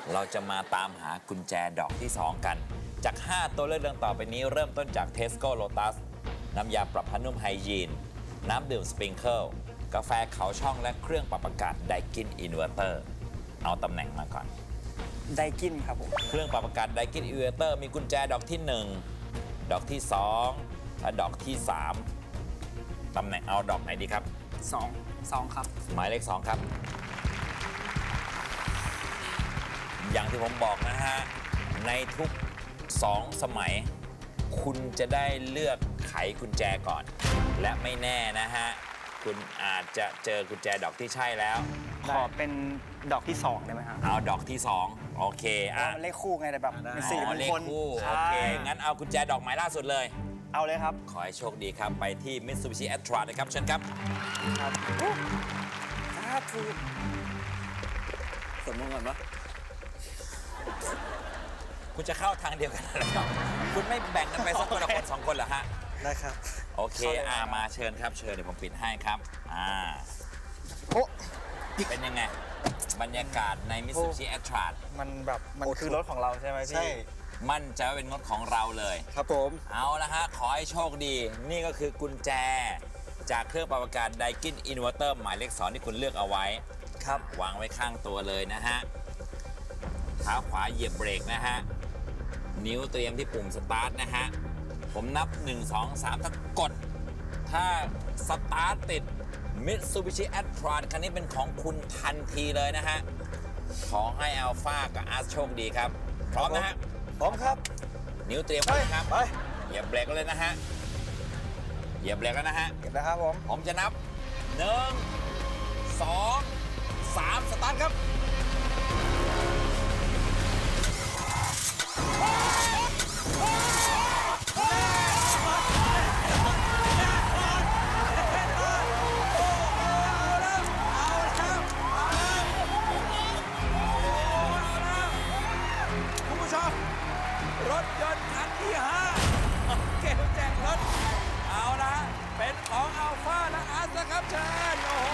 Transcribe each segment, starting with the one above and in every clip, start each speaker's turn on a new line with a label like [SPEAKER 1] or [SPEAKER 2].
[SPEAKER 1] เราจะมาตามหากุญแจดอกที่ 2 กัน จาก 5 ตัวเลือกดังต่อไปนี้เริ่มต้นจาก Tesco Lotus น้ำยาปรับผ้านุ่มไฮยีน น้ำดื่มสปริงเกิลกาแฟเขาช่องและเครื่องปรับอากาศไดกินอินเวอร์เตอร์เอาตำแหน่งมาก่อน
[SPEAKER 2] ไดกินครับผม
[SPEAKER 1] เครื่องปรับอากาศไดกินอินเวอร์เตอร์มีกุญแจดอกที่ 1 ดอกที่ 2 และดอกที่ 3 ตำแหน่งเอาดอกไหนดีครับ
[SPEAKER 2] 2 ครับ
[SPEAKER 1] หมายเลข 2 ครับ อย่างที่ผมบอกนะฮะ ในทุก 2 สมัย คุณจะได้เลือกไขกุญแจก่อน และไม่แน่นะฮะ คุณอาจจะเจอกุญแจดอกที่ใช่แล้ว
[SPEAKER 2] ขอเป็นดอกที่ 2 ได้ไหมครับ
[SPEAKER 1] เอาดอกที่ 2 โอเค
[SPEAKER 2] เพราะมันเลขคู่ไงแต่แบบเป็นสี่
[SPEAKER 1] อ๋
[SPEAKER 2] ม
[SPEAKER 1] อง เลข
[SPEAKER 2] คล
[SPEAKER 1] คู่
[SPEAKER 2] ใช่
[SPEAKER 1] โอเค งั้นเอากุญแจดอกหมายล่าสุดเลย
[SPEAKER 2] เอาเลยครับ
[SPEAKER 1] ขอให้โชคดีครับ ไปที่ Mitsubishi a t r a นะครับเชิญครับ
[SPEAKER 2] ครับถูกสมมติก่อนปะ
[SPEAKER 1] คุณจะเข้าทางเดียวกันแล้วครับคุณไม่แบ่งกันไปสักคนละคนสองคนเหรอฮะ
[SPEAKER 2] ได้ครับ
[SPEAKER 1] โอเค มาเชิญครับ เชิญเดี๋ยวผมปิดให้ครับ
[SPEAKER 2] โอ้
[SPEAKER 1] เป็นยังไง บรรยากาศใน Mitsubishi a t r a
[SPEAKER 2] มันแบบมันคือรถของเราใช่ไหมพี่
[SPEAKER 3] ใช่
[SPEAKER 1] มั่นใจว่าเป็นงดของเราเลย
[SPEAKER 3] ครับผม
[SPEAKER 1] เอาละฮะ ขอให้โชคดี นี่ก็คือกุญแจ จากเครื่องปรับอากาศไดกินอินเวอร์เตอร์หมายเลข 2 ที่คุณเลือกเอาไว้
[SPEAKER 2] ครับ
[SPEAKER 1] วางไว้ข้างตัวเลยนะฮะ เท้าขวาเหยียบเบรกนะฮะ นิ้วเตรียมที่ปุ่มสตาร์ทนะฮะ ผมนับ 1 2 3 ถ้ากด ถ้าสตาร์ทติด Mitsubishi a t r a คันนี้เป็นของคุณทันทีเลยนะฮะ ขอให้อัลฟากับอาร์ตโชคดีครับ พร้อมนะฮะ
[SPEAKER 3] พร้อมครับ
[SPEAKER 1] นิ้วเตรียมไว้นะครับ
[SPEAKER 3] ไป
[SPEAKER 1] เหยียบเบรกเลยนะฮะ เหยียบเบรกแล้วนะฮะ
[SPEAKER 3] เก็บนะครับผม
[SPEAKER 1] ผมจะนับ 1 2 3 สตาร์ทครับ คุณผู้ชม รถยนต์คันที่ 5 เกมแจกรถ เอาละเป็นของอัลฟาและอาร์ตนะครับเชิญโอ้โห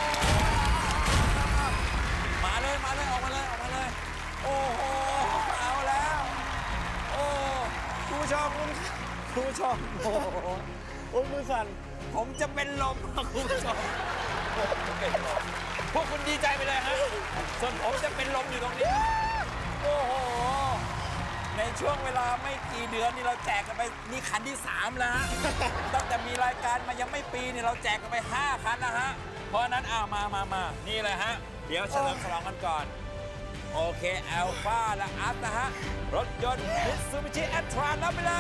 [SPEAKER 1] มาเลย ออกมาเลย โอ้โห เอาแล้ว โอ้คุณผู้ชมโอ้โห
[SPEAKER 2] โอ้ยมือสั่น
[SPEAKER 1] ผมจะเป็นลมครับคุณผู้ชมเป็นลมพวกคุณดีใจไปเลยฮะส่วนผมจะเป็นลมอยู่ตรงนี้ โอ้โห ในช่วงเวลาไม่กี่เดือนนี่เราแจกกันไปนี่คันที่ 3 แล้วฮะ ตั้งแต่มีรายการมายังไม่ปีนี่เราแจกกันไป 5 คันนะฮะ เพราะฉะนั้นมานี่เลยฮะ เดี๋ยวเฉลิมฉลองกันก่อน โอเคอัลฟาและอัพนะฮะ รถยนต์ Mitsubishi a t r a รับไปเลย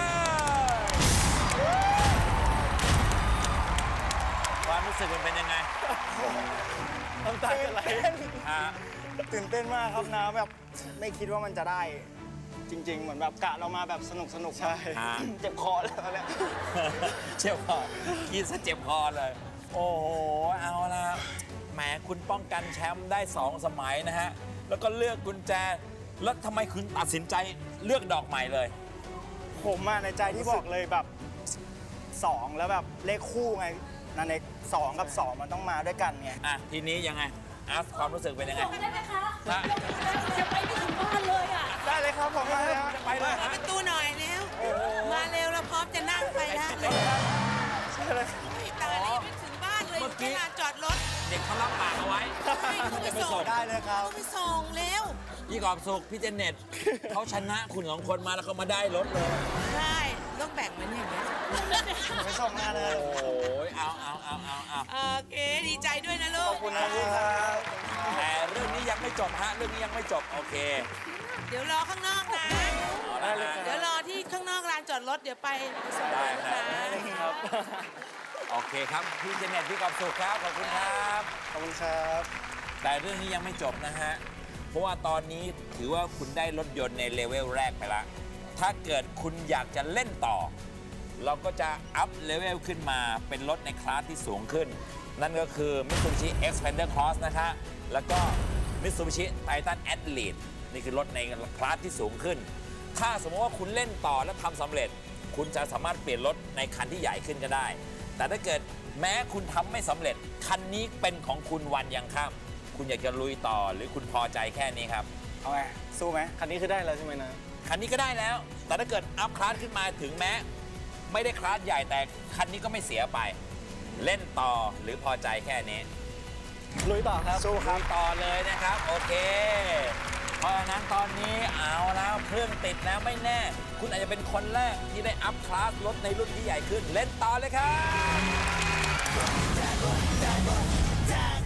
[SPEAKER 1] ความรู้สึกมันเป็นยังไง
[SPEAKER 2] น้ำตาจะไหล
[SPEAKER 1] อ่า
[SPEAKER 2] ตื่นเต้นมากครับนะแบบไม่คิดว่ามันจะได้ จริง ๆ เหมือนแบบกะเรามาแบบสนุกใช่ เจ็บคอแล้วเนี่ย
[SPEAKER 1] เจ็บคอกินซะเจ็บคอเลย โอ้โห เอาละแหมคุณป้องกันแชมป์ได้ 2 สมัยนะฮะ แล้วก็เลือกกุญแจ แล้วทำไมคุณตัดสินใจเลือกดอกใหม่เลย
[SPEAKER 2] ผมอะในใจที่บอกเลยแบบ 2 แล้วแบบเลขคู่ไงนั่นเอง2 กับ 2 มันต้องมาด้วยกันไง
[SPEAKER 1] อ่ะ ทีนี้ยังไงอาร์ตความรู้สึกเป็นยังไง
[SPEAKER 4] ส่งกันได้ไหมคะ
[SPEAKER 1] ฮะ
[SPEAKER 4] จะไปไม่ถึงบ้านเลยอ่ะ
[SPEAKER 2] ได้เลยครับผมมาแล้ว
[SPEAKER 1] จะไปเลย
[SPEAKER 5] เปิด
[SPEAKER 1] ฮะ
[SPEAKER 5] ประตูหน่อยเร็ว มาเร็วเราพร้อมจะนั่งไปแล้วเร็ว
[SPEAKER 2] ใช่เลย
[SPEAKER 5] ตายแล้วยังไม่ถึงบ้านเลยอยู่ที่ลานจอดรถ
[SPEAKER 1] เด็กเขารับปากเอาไว้
[SPEAKER 5] ให้เขาไปส่ง
[SPEAKER 2] ได้เลยครับ
[SPEAKER 5] เขาไปส่งเร็ว
[SPEAKER 1] พี่กอบสุขพี่เจเน็ต เขาชนะคุณสองคนมาแล้วเขามาได้รถเลย
[SPEAKER 5] ใช่ต้องแบ่งมันอย่างนี้ย
[SPEAKER 2] ไปส่งงานเลย
[SPEAKER 1] โอ้ยเอา
[SPEAKER 5] โอเคดีใจด้วยนะลู
[SPEAKER 2] ข
[SPEAKER 5] ก
[SPEAKER 2] อบคุณนะพี่ครับ
[SPEAKER 1] แต่เรื่องนี้ยังไม่จบฮะ เรื่องนี้ยังไม่จบ โอเค
[SPEAKER 5] เดี๋ยวรอข้างนอกนะ
[SPEAKER 1] เอาละฮะ
[SPEAKER 5] เดี๋ยวรอที่ข้างนอกลานจอดรถเดี๋ยวไปส่ง
[SPEAKER 1] ได้
[SPEAKER 5] นะ
[SPEAKER 1] ฮะ
[SPEAKER 2] ครับ
[SPEAKER 1] โอเคครับ พี่เจเน็ตพี่กอบสุขครับ ขอบคุณครับ
[SPEAKER 2] ขอบคุณครับ
[SPEAKER 1] แต่เรื่องนี้ยังไม่จบนะฮะ เพราะว่าตอนนี้ถือว่าคุณได้รถยนต์ในเลเวลแรกไปละ ถ้าเกิดคุณอยากจะเล่นต่อ เราก็จะอัพเลเวลขึ้นมาเป็นรถในคลาสที่สูงขึ้น นั่นก็คือ Mitsubishi Xpander Cross นะคะ แล้วก็ Mitsubishi Titan Athlete นี่คือรถในคลาสที่สูงขึ้น ถ้าสมมติว่าคุณเล่นต่อและทำสำเร็จ คุณจะสามารถเปลี่ยนรถในคันที่ใหญ่ขึ้นก็ได้ แต่ถ้าเกิดแม้คุณทำไม่สำเร็จ คันนี้เป็นของคุณวันยังค่ำคุณอยากจะลุยต่อหรือคุณพอใจแค่นี้ครับ
[SPEAKER 2] เอาไงสู้ไหม
[SPEAKER 3] คันนี้คือได้แล้วใช่ไหมนะ
[SPEAKER 1] คันนี้ก็ได้แล้ว แต่ถ้าเกิดอัพคลาสขึ้นมาถึงแม้ ไม่ได้คลาสใหญ่แต่คันนี้ก็ไม่เสียไป เล่นต่อหรือพอใจแค่นี้
[SPEAKER 3] ลุยต่อครับ
[SPEAKER 2] สู้ครับ
[SPEAKER 1] ต่อเลยนะครับ โอเค เพราะฉะนั้นตอนนี้เอาแล้วเครื่องติดแล้วไม่แน่ คุณอาจจะเป็นคนแรกที่ได้อัพคลาสรถในรุ่นที่ใหญ่ขึ้น เล่นต่อเลยครับ